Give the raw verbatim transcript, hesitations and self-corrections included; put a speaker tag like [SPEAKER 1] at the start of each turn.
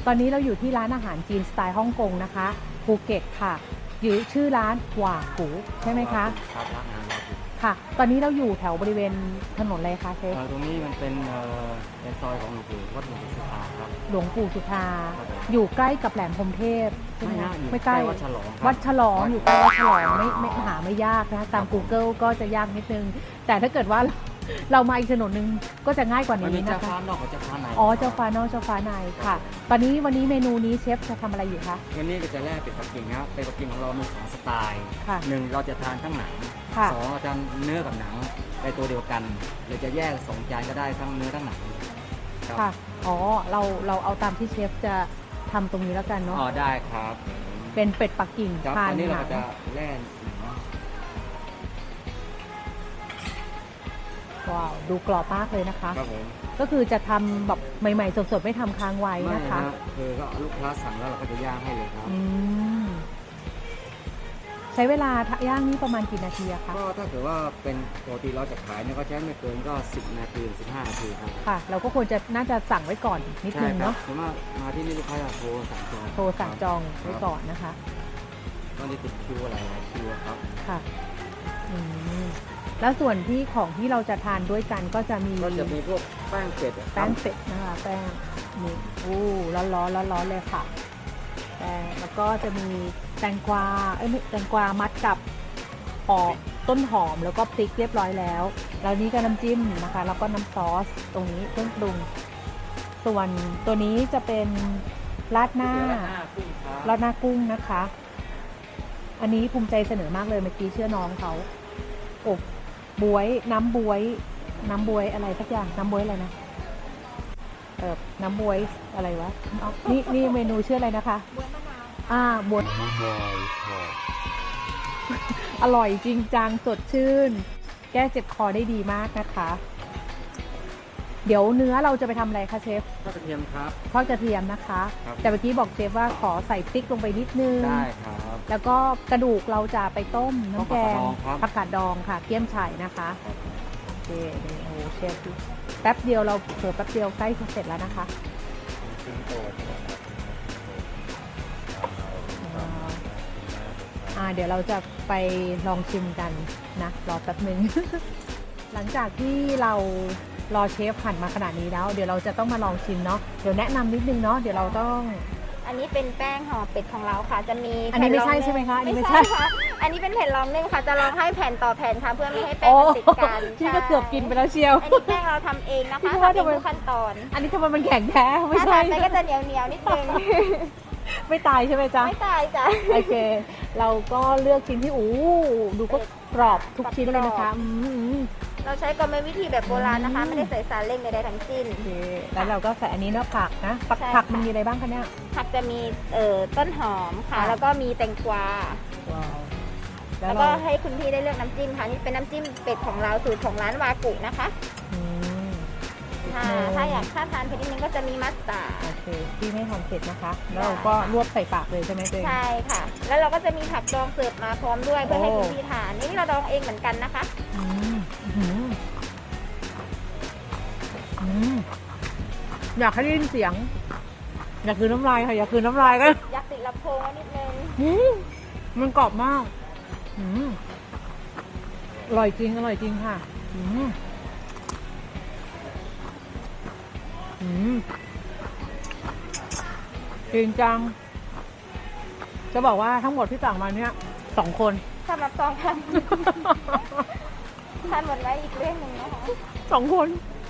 [SPEAKER 1] ตอนนี้เราอยู่ที่ร้านอาหารจีนสไตล์ฮ่องกงนะคะภูเก็ตค่ะอยู่ชื่อร้านหว่ากูใช่ไหมคะ
[SPEAKER 2] ครับร้านอาหารหว่ากู
[SPEAKER 1] ค่ะตอนนี้เราอยู่แถวบริเวณถนนอะไรคะเชฟ
[SPEAKER 2] ตรงนี้มันเป็นในซอยของหลวงปู่วัดหลวงปู่สุธาครับ
[SPEAKER 1] หลวงปู่สุธาอยู่ใกล้กับแหลมพรหมเทพใช่ไหมไม่ใกล้
[SPEAKER 2] วัดฉลอง
[SPEAKER 1] วัดฉลองอยู่ใกล้วัดฉลองไม่ไม่หาไม่ยากนะตาม Google ก็จะยากนิดนึงแต่ถ้าเกิดว่าเรามาอีกถนนหนึ่งก็จะง่ายกว่านี้นะคะ
[SPEAKER 2] เจ้าฟ้านอกกับเจ้าฟ้าใน
[SPEAKER 1] อ๋อเจ้าฟ้านอกเจ้าฟ้าในค่ะตอนนี้วันนี้เมนูนี้เชฟจะทำอะไรอยู่คะ
[SPEAKER 2] วันนี้ก็จะแรกเป็ดปักกิ่งครับเป็ดปักกิ่งของเรามีสองสไตล์หนึ่งเราจะทานทั้งหนังสองเราจะเนื้อกับหนังในตัวเดียวกันหรือจะแยกสองจานก็ได้ทั้งเนื้อทั้งหนัง
[SPEAKER 1] ค่ะอ๋อเราเราเอาตามที่เชฟจะทำตรงนี้แล้วกันเนาะ
[SPEAKER 2] อ๋อได้ครับ
[SPEAKER 1] เป็นเป็ดปักกิ่ง
[SPEAKER 2] ทานนี้เราจะแล่
[SPEAKER 1] ว้าวดูกรอบมากเลยนะคะ
[SPEAKER 2] ครับผม
[SPEAKER 1] ก็คือจะทำแบบใหม่ๆสดๆไม่ทำค้างไว้นะคะ
[SPEAKER 2] คือก็ลูกค้าสั่งแล้วเราก็จะย่างให้เลยครับ
[SPEAKER 1] ใช้เวลาย่างนี้ประมาณกี่นาทีอะคะ
[SPEAKER 2] ก็ถ้าเกิดว่าเป็นปกติเราจะขายเนี่ยก็ใช้ไม่เกินก็สิบนาทีสิบห้านาทีครับ
[SPEAKER 1] ค่ะเราก็ควรจะน่าจะสั่งไว้ก่อนนิดนึงเนาะ
[SPEAKER 2] สมมติมาที่นี่ลูกค้าจะโทรสั่งจอง
[SPEAKER 1] โทรสั่งจองไว้ก่อนนะคะ
[SPEAKER 2] ก็จะติดคิวอะไรหลายคิวครับ
[SPEAKER 1] ค่ะแล้วส่วนที่ของที่เราจะทานด้วยกันก็จะมี
[SPEAKER 2] ก็จะมีพวกแป้งเป็ด
[SPEAKER 1] แป้งเป็ดนะคะแป้งนี่อู้ร้อนร้อนร้อนร้อนเลยค่ะแป้งแล้วก็จะมีแตงกวาเอ้ยแตงกวามัดกับหอมต้นหอมแล้วก็พริกเรียบร้อยแล้วแล้วนี้ก็น้ำจิ้มนะคะแล้วก็น้ำซอสตรงนี้เครื่องปรุงส่วนตัวนี้จะเป็นราดหน้าราดหน้ากุ้งนะคะอันนี้ภูมิใจเสนอมากเลยเมื่อกี้เชื่อน้องเขาอบบวยน้ำบวยน้ำบวยอะไรสักอย่างน้ำบวยอะไรนะเออน้ำบวยอะไรวะนี่นี่เมนูชื่ออะไรนะคะบวยมะนาวอ่าบวยมะนาวค่ะอร่อยจริงจังสดชื่นแก้เจ็บคอได้ดีมากนะคะเดี๋ยวเนื้อเราจะไปทำอะไรคะเชฟ
[SPEAKER 2] ทอดกระเทียมครับ
[SPEAKER 1] ทอดกระเทียมนะคะแต่เมื่อกี้บอกเชฟว่าขอใส่พริกลงไปนิดนึง
[SPEAKER 2] ได้ครับ
[SPEAKER 1] แล้วก็กระดูกเราจะไปต้มน้ำแกงผักกาดดองค่ะเกี๊ยมไฉ่นะคะโอเคนี่โอ้เชฟแป๊บเดียวเราเผลอแป๊บเดียวใกล้จะเสร็จแล้วนะคะอ่าเดี๋ยวเราจะไปลองชิมกันนะรอแป๊บนึง หลังจากที่เรารอเชฟหั่นมาขนาดนี้แล้วเดี๋ยวเราจะต้องมาลองชิมเนาะเดี๋ยวแนะนำนิดนึงเนาะเดี๋ยวเราต้อง
[SPEAKER 3] อันนี้เป็นแป้งห่อเป็ดของเราค่ะจะมี
[SPEAKER 1] อันนี้ไม่ใช่ใช่ไหมคะอันนี้
[SPEAKER 3] ไม่ใช่ค่ะอันนี้เป็นแผ่นรองนึ่งค่ะจะรองให้แผ่นต่อแผ่นค่ะเพื่อไม่ให้แป้งติดกัน
[SPEAKER 1] ที่ก็เกือบกินไปแล้วเชียว
[SPEAKER 3] อันนี้แป้งเราทำเองนะคะทำเองทุกขั้นตอน
[SPEAKER 1] อันนี้ทำไมมันแข็งแท้ไม่ใช่
[SPEAKER 3] ไปก็จะเหนียวเหนียวนิดนึง
[SPEAKER 1] ไม่ตายใช่ไหมจ๊ะ
[SPEAKER 3] ไม่ตายจ้ะ
[SPEAKER 1] โอเคเราก็เลือกชิ้นที่อู้ดูก็กรอบทุกชิ้นเลยนะคะ
[SPEAKER 3] เราใช้กรรมวิธีแบบโบราณนะคะไม่ได้ใส่สารเร่งใดๆทั้งสิ้น
[SPEAKER 1] แล้วเราก็ใส่อันนี้เนาะผักนะผักผักมันมีอะไรบ้างคะเนี่ย
[SPEAKER 3] ผักจะมีเอ่อต้นหอมค่ะแล้วก็มีแตงกวาแล้วก็ให้คุณพี่ได้เลือกน้ำจิ้มค่ะนี่เป็นน้ำจิ้มเป็ดของเราสูตรของร้านวากุนะคะถ้าอยากถ้าทานเผ็ดนิดนึงก็จะมีมัสตาร์ด
[SPEAKER 1] โอเคที่ไม่ทานเผ็ดนะคะแล้วเราก็รวบใส่ปากเลยใช่ไหมเจ๊
[SPEAKER 3] ใช่ค่ะแล้วเราก็จะมีผักดองเสิร์ฟมาพร้อมด้วยเพื่อให้คุณพี่ทานนี่เราดองเองเหมือนกันนะคะอืม
[SPEAKER 1] อืมอยากให้ได้ยินเสียงอยากคืนน้ำลายค่ะอยากคืนน้ำลายก็
[SPEAKER 3] อยากติดลำโพงนิดนึง
[SPEAKER 1] มันกรอบมากอืมอร่อยจริงอร่อยจริงค่ะอืมอืมจริงจังจะบอกว่าทั้งหมดที่สั่งมาเนี่ยสองคน
[SPEAKER 3] สำหรับสองพันทานหมดแล้วอีกเรื่องหนึ่งนะคะ
[SPEAKER 1] สองคน